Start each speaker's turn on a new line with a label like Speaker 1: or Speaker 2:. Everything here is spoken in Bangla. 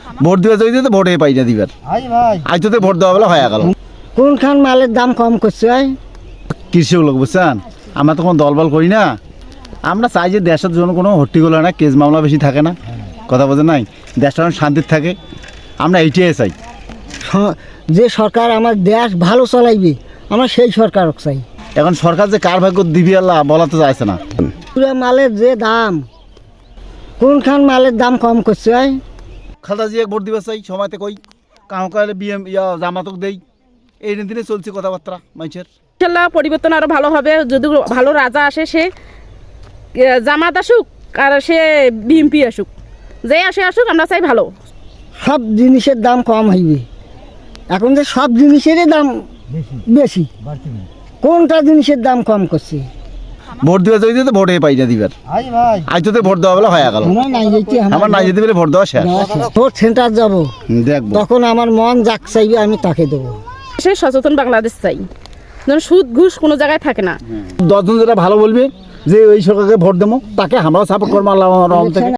Speaker 1: ভোট দিবে যদি তো ভোটে পাই না দিবার আজ তো ভোট দেওয়া বেলা হয়ে গেল।
Speaker 2: কোনখান মালের দাম কম করছে?
Speaker 1: কৃষক লোক বুঝছেন, আমরা তো কোনো দলবল করি না। আমরা চাই যে দেশের জন্য কোনো হট্টিগোল হয় না, কেস মামলা বেশি থাকে না, কথা বোঝেন নাই, দেশটা শান্তির থাকে, আমরা এইটাই চাই।
Speaker 2: যে সরকার আমার দেশ ভালো চালাইবে আমরা সেই সরকার চাই।
Speaker 1: এখন সরকার যে কার ভাগ্য দিবি আল্লাহ বলা তো যাচ্ছে না।
Speaker 2: পুরা মালের যে দাম, কোনখান মালের দাম কম করছে?
Speaker 1: খালদা জিয়া ভোট দিবে চাই, সময়তে কই কাউ কালে বিএম জামাতক দেই, এই দিনে চলছে কথাবার্তা মানুষের।
Speaker 3: ইনশাল্লাহ পরিবর্তন আরো ভালো হবে, যদি ভালো রাজা আসে, সে জামাত আসুক আর সে বিএমপি আসুক, যে আসুক, আমরা চাই ভালো।
Speaker 2: সব জিনিসের দাম কম হইবে, এখন যে সব জিনিসেরই দাম বেশি, কোনটা জিনিসের দাম কম করছে?
Speaker 1: ভোট দিবে যদি তো ভোটে পাই না দিবার আজ তো ভোট দেওয়া বেলা হয়ে গেল। আমার নাই যেতে পেলে ভোট দেওয়া শেষ।
Speaker 2: ভোট সেন্টার যাবো,
Speaker 1: দেখবো
Speaker 2: তখন আমার মন যাক চাইবে আমি তাকে দেবো।
Speaker 3: সে সচেতন বাংলাদেশ চাই, যেন সুদ ঘুষ কোনো জায়গায় থাকে না।
Speaker 1: 10 জন যেটা ভালো বলবে যে ওই সরকারকে ভোট দেবো, তাকে আমরাও সাপোর্ট করবো আল্লাহ রহম থেকে।